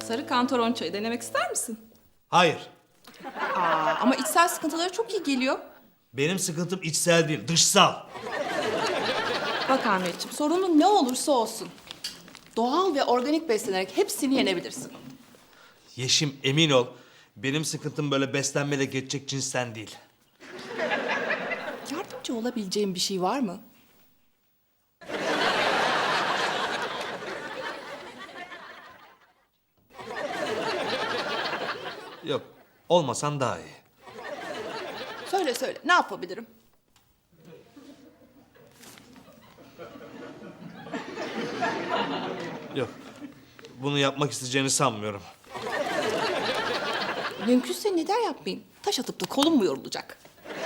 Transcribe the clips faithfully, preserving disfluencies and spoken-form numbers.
sarı kantaron çayı denemek ister misin? Hayır. Aa, ama içsel sıkıntılara çok iyi geliyor. Benim sıkıntım içsel değil, dışsal. Bak Ahmetciğim, sorunun ne olursa olsun doğal ve organik beslenerek hepsini yenebilirsin. Yeşim, emin ol. Benim sıkıntım böyle beslenmeyle geçecek cinsten değil. Yardımcı olabileceğim bir şey var mı? Yok, olmasan daha iyi. Söyle söyle, ne yapabilirim? Yok, bunu yapmak isteyeceğini sanmıyorum. Mümkünse neden yapmayayım? Taş atıp da kolum mu yorulacak?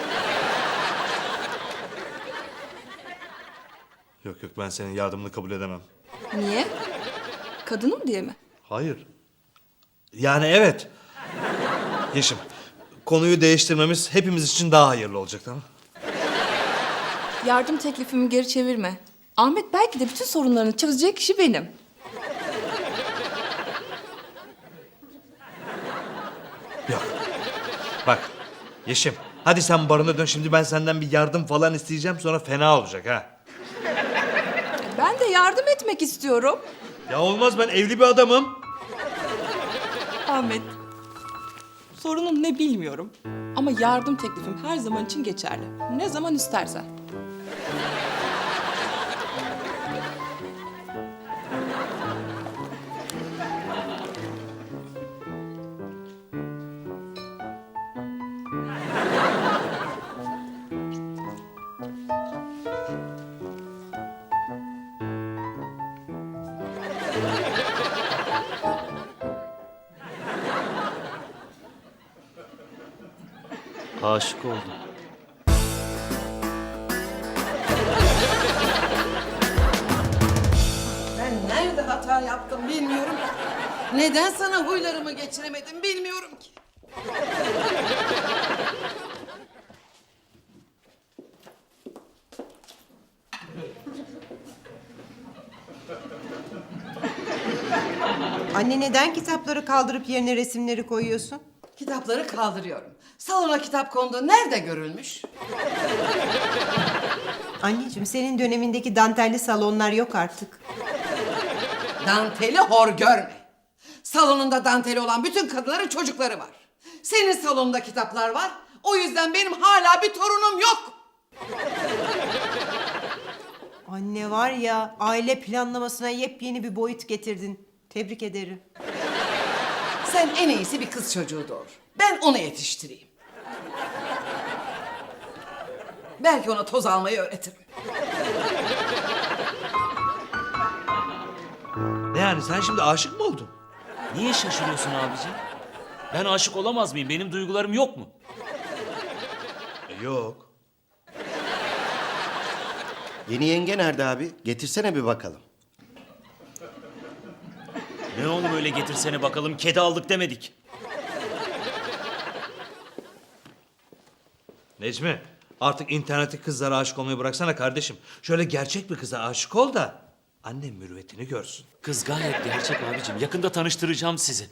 Yok yok, ben senin yardımını kabul edemem. Niye? Kadınım diye mi? Hayır. Yani evet. Yeşim, konuyu değiştirmemiz hepimiz için daha hayırlı olacak, tamam mı? Yardım teklifimi geri çevirme. Ahmet belki de bütün sorunlarını çözecek kişi benim. Yok. Bak, Yeşim, hadi sen barına dön. Şimdi ben senden bir yardım falan isteyeceğim, sonra fena olacak ha. Ben de yardım etmek istiyorum. Ya olmaz, ben evli bir adamım. Ahmet, sorunun ne bilmiyorum. Ama yardım teklifim her zaman için geçerli. Ne zaman istersen. Aşık oldum. Ben nerede hata yaptım bilmiyorum ki. Neden sana huylarımı geçiremedim bilmiyorum ki. Anne neden kitapları kaldırıp yerine resimleri koyuyorsun? Kitapları kaldırıyorum. Salona kitap konduğu nerede görülmüş? Anneciğim senin dönemindeki dantelli salonlar yok artık. Danteli hor görme. Salonunda danteli olan bütün kadınların çocukları var. Senin salonunda kitaplar var. O yüzden benim hala bir torunum yok. Anne var ya aile planlamasına yepyeni bir boyut getirdin. Tebrik ederim. Sen en iyisi bir kız çocuğu doğur. Ben onu yetiştireyim. Belki ona toz almayı öğretirim. Ne yani, sen şimdi aşık mı oldun? Niye şaşırıyorsun abicim? Ben aşık olamaz mıyım? Benim duygularım yok mu? E, yok. Yeni yenge nerede abi? Getirsene bir bakalım. Ne oğlum öyle getirsene bakalım, kedi aldık demedik. Necmi, artık internette kızlara aşık olmayı bıraksana kardeşim. Şöyle gerçek bir kıza aşık ol da annem mürüvvetini görsün. Kız gayet gerçek abicim. Yakında tanıştıracağım sizi.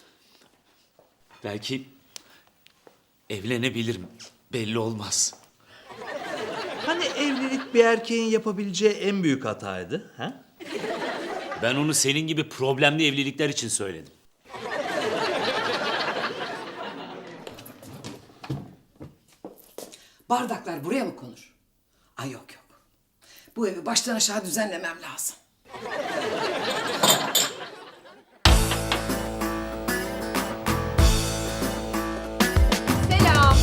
Belki evlenebilirim. Belli olmaz. Hani evlilik bir erkeğin yapabileceği en büyük hataydı, ha? Ben onu senin gibi problemli evlilikler için söyledim. Bardaklar buraya mı konur? Ay yok yok. Bu evi baştan aşağı düzenlemem lazım. Selam.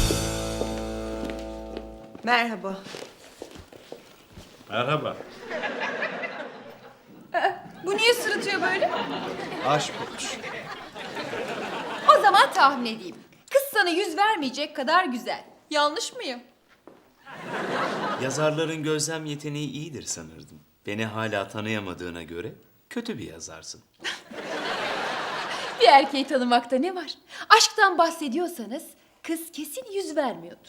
Merhaba. Merhaba. Bu niye sırıtıyor böyle? Aşk olmuş. O zaman tahmin edeyim. Kız sana yüz vermeyecek kadar güzel. Yanlış mıyım? Yazarların gözlem yeteneği iyidir sanırdım. Beni hala tanıyamadığına göre kötü bir yazarsın. Bir erkeği tanımakta ne var? Aşktan bahsediyorsanız kız kesin yüz vermiyordur.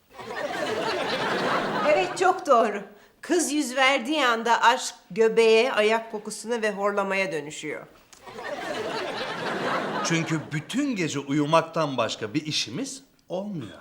Evet çok doğru. Kız yüz verdiği anda aşk göbeğe, ayak kokusuna ve horlamaya dönüşüyor. Çünkü bütün gece uyumaktan başka bir işimiz olmuyor.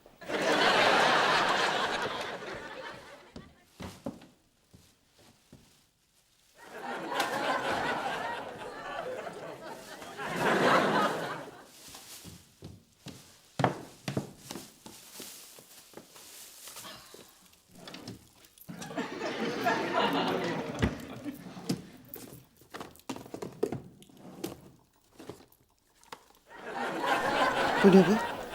Bu ne bu?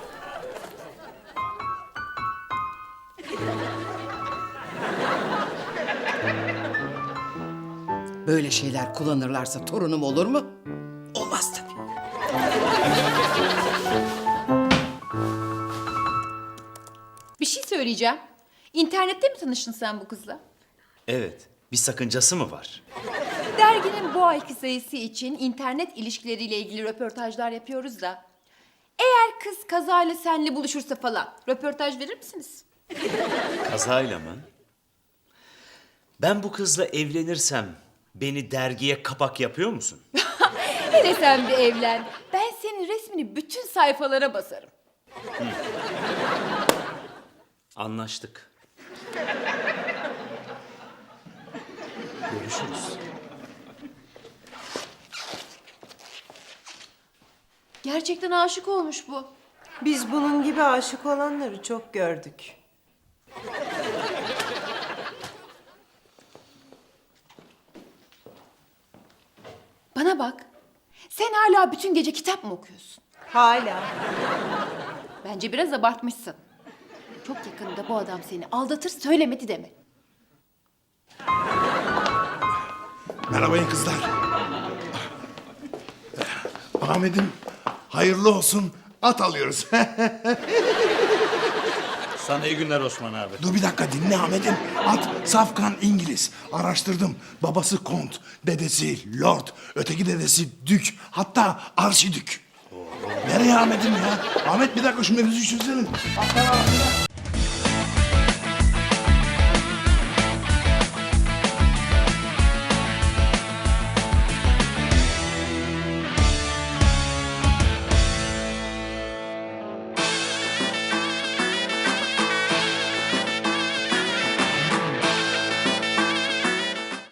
Böyle şeyler kullanırlarsa torunum olur mu? Olmaz tabii. Bir şey söyleyeceğim. İnternette mi tanıştın sen bu kızla? Evet. Bir sakıncası mı var? Derginin bu ayki sayısı için internet ilişkileriyle ilgili röportajlar yapıyoruz da. Eğer kız kazayla seninle buluşursa falan röportaj verir misiniz? Kazayla mı? Ben bu kızla evlenirsem beni dergiye kapak yapıyor musun? Hele sen bir evlen. Ben senin resmini bütün sayfalara basarım. Anlaştık. Görüşürüz. Gerçekten aşık olmuş bu. Biz bunun gibi aşık olanları çok gördük. Bana bak. Sen hala bütün gece kitap mı okuyorsun? Hala. Bence biraz abartmışsın. Çok yakında bu adam seni aldatır söylemedi deme. Merhaba kızlar. Ahmet'im hayırlı olsun at alıyoruz. Sana iyi günler Osman abi. Dur bir dakika dinle Ahmet'im. At safkan İngiliz. Araştırdım. Babası kont, dedesi lord, öteki dedesi dük, hatta arşidük. Nereye Ahmet'im ya? Ahmet bir dakika şu mevzuyu çözelim.